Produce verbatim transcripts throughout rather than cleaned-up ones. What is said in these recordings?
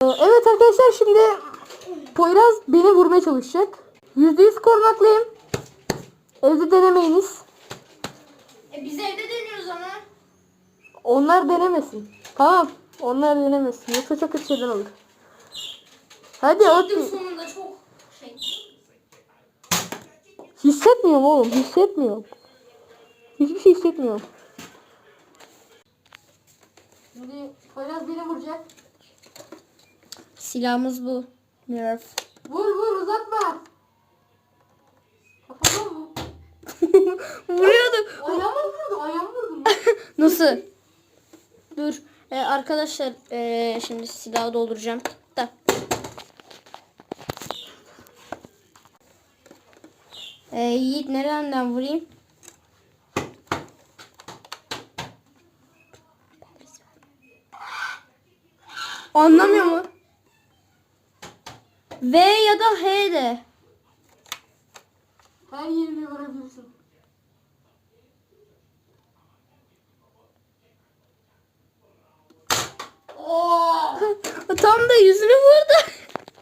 Evet arkadaşlar, şimdi Poyraz beni vurmaya çalışacak. yüzde yüz korunaklıyım. Evde denemeyiniz. E biz evde deniyoruz ama. Onlar denemesin. Tamam. Onlar denemesin. Yoksa çok kötü şeyler olur. Hadi Çıktım hadi. sonunda çok şey. Hissetmiyorum oğlum. Hissetmiyorum. Hiçbir şey hissetmiyorum. Şimdi Poyraz beni vuracak. Silahımız bu. Nerf. Vur vur, uzatma. Kafama mı? Vuruyordu. Ayağıma vurdu. Ayağıma vurdu. Nasıl? Dur. Ee, arkadaşlar ee, şimdi silahı dolduracağım. Da. Ee, Yiğit nereden vurayım? Anlamıyor mu? V ya da H de. Her yerine vurabilirsin. Oo! Tam da yüzünü vurdu.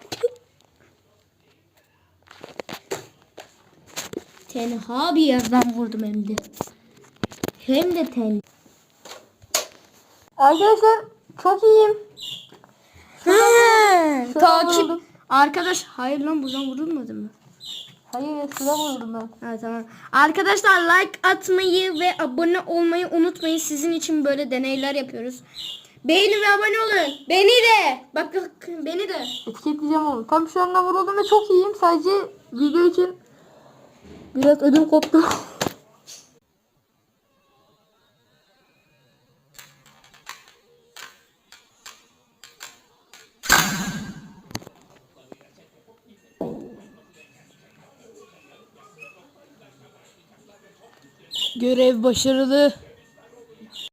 Tenha bir yerden vurdum hem de. Hem de ten. Arkadaşlar çok iyiyim. Ha, Şuradan takip. vuruldum. Arkadaş hayır lan buradan vurulmadı mı? Hayır, şurada vurdum ben. Ha tamam. Arkadaşlar like atmayı ve abone olmayı unutmayın. Sizin için böyle deneyler yapıyoruz. Beğenin ve abone olun. Beni de. Bak bak beni de. Etiketleyeceğim onu. Tam şu anda vuruldum ve çok iyiyim. Sadece video için biraz ödüm koptu. Görev başarılı.